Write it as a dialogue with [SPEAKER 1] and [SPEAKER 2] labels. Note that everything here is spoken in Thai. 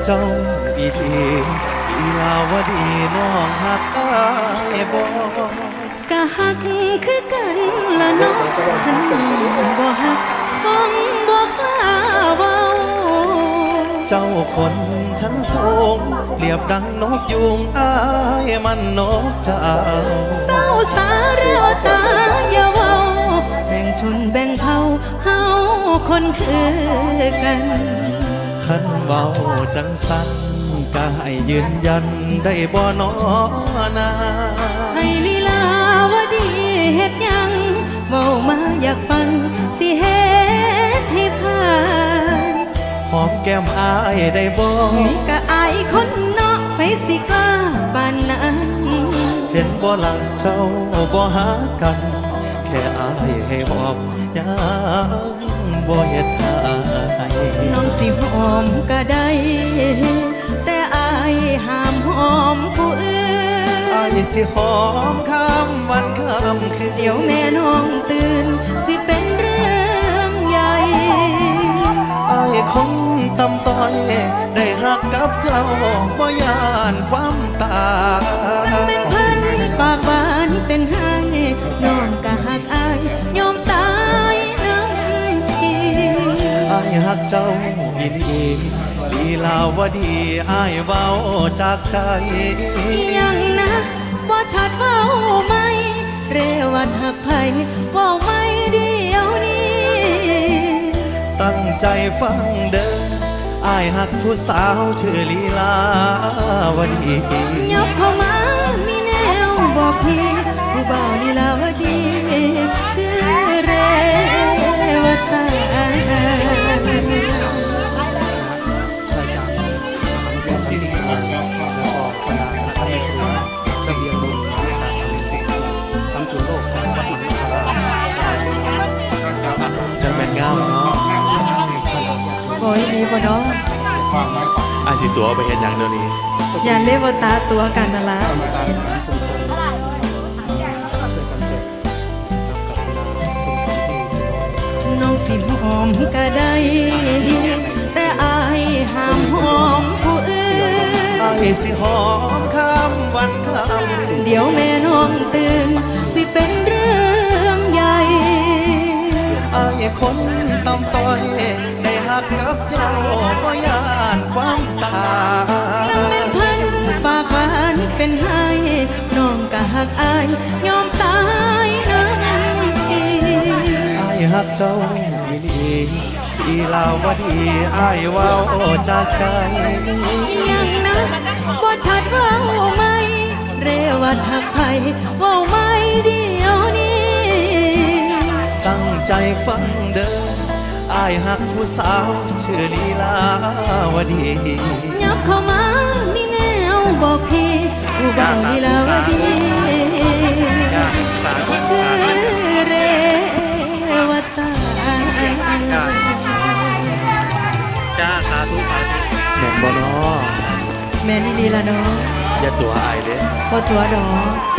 [SPEAKER 1] เจ้าอีทีอีลาวดีน้องหักอายบ่
[SPEAKER 2] กะหักคือกันละน้องหันบ่หักคงบ่กล้าเว้า
[SPEAKER 1] เจ้าคนชั้นสูงเรียบดังนกยุงอายมันนกเจ้า
[SPEAKER 2] เศร้าสาเรียวตาอย่าเว้าแบ่งชนแบ่งเผ่าเฮาคนคือกัน
[SPEAKER 1] ขันเว้าจังสันก็ให้ยืนยันได้บ่น้อนา
[SPEAKER 2] ให้ลีลาวดีเฮ็ดยังเว้ามาอยากฟังสิเฮ็ดให้ผ่าน
[SPEAKER 1] หอมแก้มอายได้บ่
[SPEAKER 2] ก็อายคนเนาะไปสิกล้าปานนั้น
[SPEAKER 1] เห็นบ่หลังเจ้าบ่หากันแค่อายให้หอมยังบ่เฮ็ดให้
[SPEAKER 2] น้องสิหอมก็ได้แต่อายห้ามหอมผู้อื่น
[SPEAKER 1] อายสิหอมข้ามวันข้ามคืน
[SPEAKER 2] เดี๋ยวแม่น้องตื่นสิเป็นเรื่องใหญ่
[SPEAKER 1] อายคงตำต้อยได้หักกับเจ้าบ่ยานความตาย
[SPEAKER 2] จังเป็นพันปากหวานเป็นให้น้องก็หักอายยอมตายน้ำที
[SPEAKER 1] อายหักเจ้าอีหลีลีลาวดีอายเว้าจากใจ
[SPEAKER 2] ยังนะบ่ชัดเว้าไหมเรวัดหักไผเว้าไม่เดียวนี้
[SPEAKER 1] ตั้งใจฟังเด้ออายหักผู้สาวชื่อลีลาวดี
[SPEAKER 2] ยกเข้ามามีแนวบอกพี่ผู้บ่าวลีลาวดีชื่อเรวตา
[SPEAKER 1] จังแม่นงามเนาะ
[SPEAKER 2] โอ้ยดีบ่เนาะ
[SPEAKER 1] อายสิตัวไปเฮ็ดหยังเดี๋ยวนี้
[SPEAKER 2] อย่าเรียกว่าตาตัวกันนั่นล่ะน้องสิหอมก็ได้แต่อายห้ามหอมผู้อื่น
[SPEAKER 1] อายสิหอมข้ามวันข้าม
[SPEAKER 2] เดี๋ยวแม่น้องตื่นสิเป็นเรื่องใหญ่
[SPEAKER 1] อายคนตำต้อยได้หักกับเจ้าบ่ยานความตาย
[SPEAKER 2] จังเป็นพันปากหวานเป็นให้น้องก็หักอายยอมตายน้ำที
[SPEAKER 1] อายหักเจ้าอีหลีอีลาวดีอายเว้าจากใจ
[SPEAKER 2] ยังนะบ่ชัดเว้าไหมเรวัดหักไผเว้าไม่เดียวนี้
[SPEAKER 1] ตั้งใจฟังเด้ออายหักผู้สาวชื่อลีลาวดี
[SPEAKER 2] ยับเข้ามามีแนวบอกพี่ผู้บ่าวลีลาวดีชื่อเรวตา
[SPEAKER 1] จ้าสาธุแม่นบ่น้อ
[SPEAKER 2] แม่นลีละเนาะ
[SPEAKER 1] อย่าตัวอายเด้
[SPEAKER 2] บ่ตัวดอก